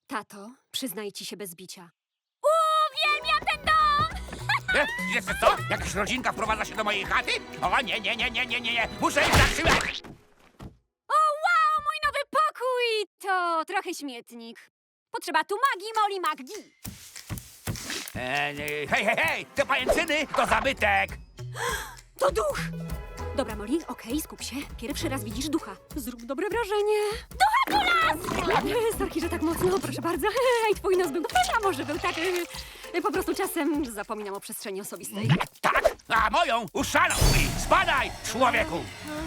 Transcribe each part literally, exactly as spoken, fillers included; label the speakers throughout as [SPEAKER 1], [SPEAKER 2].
[SPEAKER 1] Tato, przyznaj ci się bez bicia.
[SPEAKER 2] Uwielbiam ten dom!
[SPEAKER 3] E, Wiesz co? Jakaś rodzinka wprowadza się do mojej chaty? O nie, nie, nie, nie, nie, nie, nie. Muszę ich zatrzymać!
[SPEAKER 1] O, wow, mój nowy pokój! To trochę śmietnik. Potrzeba tu magii, Molly magii.
[SPEAKER 3] E, e, hej, hej, hej! Te pajęczyny to zabytek!
[SPEAKER 1] To duch! Dobra, Molly, okej, skup się. Pierwszy raz widzisz ducha. Zrób dobre wrażenie. Ducha kulas! Sorki, że tak mocno, proszę bardzo. Ej, twój nos był, a może był tak... e, Po prostu czasem zapominam o przestrzeni osobistej.
[SPEAKER 3] Tak? A moją uszalał mi! Spadaj, człowieku!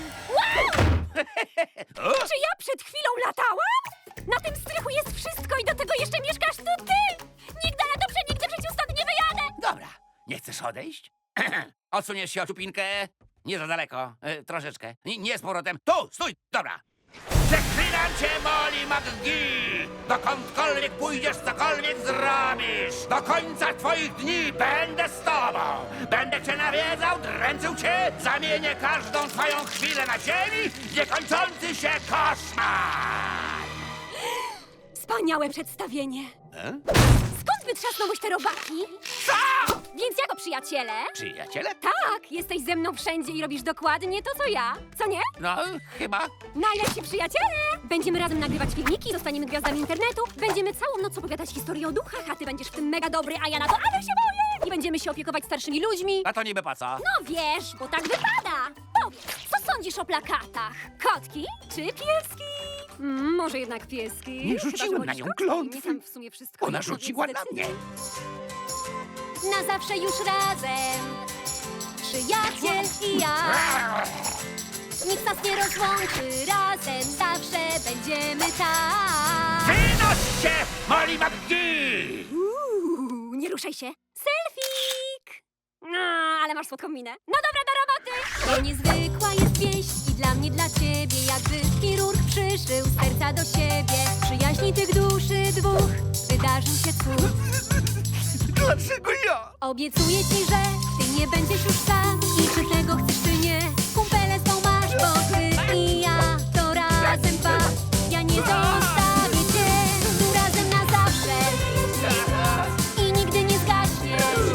[SPEAKER 1] Czy ja przed chwilą latałam? Na tym strychu jest wszystko i do tego jeszcze mieszkasz tu ty! Nigdy, ale dobrze, nigdy w życiu stąd nie wyjadę!
[SPEAKER 3] Dobra, nie chcesz odejść? Odsuniesz się o czupinkę? Nie za daleko, e, troszeczkę. Nie, nie z powrotem. Tu, stój, dobra. Przeklinam cię, Molly McGee! Dokądkolwiek pójdziesz, cokolwiek zrobisz! Do końca twoich dni będę z tobą! Będę cię nawiedzał, dręczył cię, zamienię każdą twoją chwilę na ziemi w niekończący się koszmar!
[SPEAKER 1] Wspaniałe przedstawienie.
[SPEAKER 3] E?
[SPEAKER 1] Skąd wytrzasnąłeś te robaki?
[SPEAKER 3] Co?
[SPEAKER 1] Więc jako przyjaciele?
[SPEAKER 3] Przyjaciele?
[SPEAKER 1] Tak, jesteś ze mną wszędzie i robisz dokładnie to, co ja. Co nie?
[SPEAKER 3] No, chyba.
[SPEAKER 1] Najlepsi przyjaciele! Będziemy razem nagrywać filmiki, zostaniemy gwiazdami internetu, będziemy całą noc opowiadać historię o duchach, a ty będziesz w tym mega dobry, a ja na to ale się boję! I będziemy się opiekować starszymi ludźmi.
[SPEAKER 3] A to niby po co?
[SPEAKER 1] No wiesz, bo tak wypada! Powiedz, co sądzisz o plakatach? Kotki czy pieski? Mm, może jednak pieski.
[SPEAKER 3] Nie rzuciłem
[SPEAKER 1] Chyba, że
[SPEAKER 3] na nią
[SPEAKER 1] wolisz kotki.
[SPEAKER 3] klątwy.
[SPEAKER 1] Mnie tam w sumie wszystko
[SPEAKER 3] Ona
[SPEAKER 1] jedno,
[SPEAKER 3] rzuciła
[SPEAKER 1] więc
[SPEAKER 3] na mnie.
[SPEAKER 1] zdecyduj. Na zawsze już razem, przyjaciel i ja. Nikt nas nie rozłączy, razem zawsze będziemy tak.
[SPEAKER 3] Wynoś się, Molly McGee!
[SPEAKER 1] Uuu, nie ruszaj się. Selfik! No, ale masz słodką minę. No dobra, do roboty! To niezwykła jest wieść i dla mnie, dla ciebie. Jakby chirurg przyszył serca do siebie. Przyjaźni tych duszy dwóch wydarzył się cud.
[SPEAKER 3] Dlaczego ja?
[SPEAKER 1] Obiecuję ci, że ty nie będziesz już sam. I czy tego chcesz, czy nie, kumpele z tą masz, bo ty i ja to razem dwa. Ja nie zostawię cię, tu razem na zawsze. I nigdy nie zgaśnie.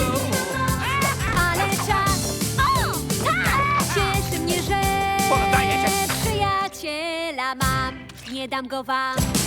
[SPEAKER 1] Ale czas, o, tak, cieszy mnie, że
[SPEAKER 3] Poddaję się.
[SPEAKER 1] przyjaciela mam, nie dam go wam.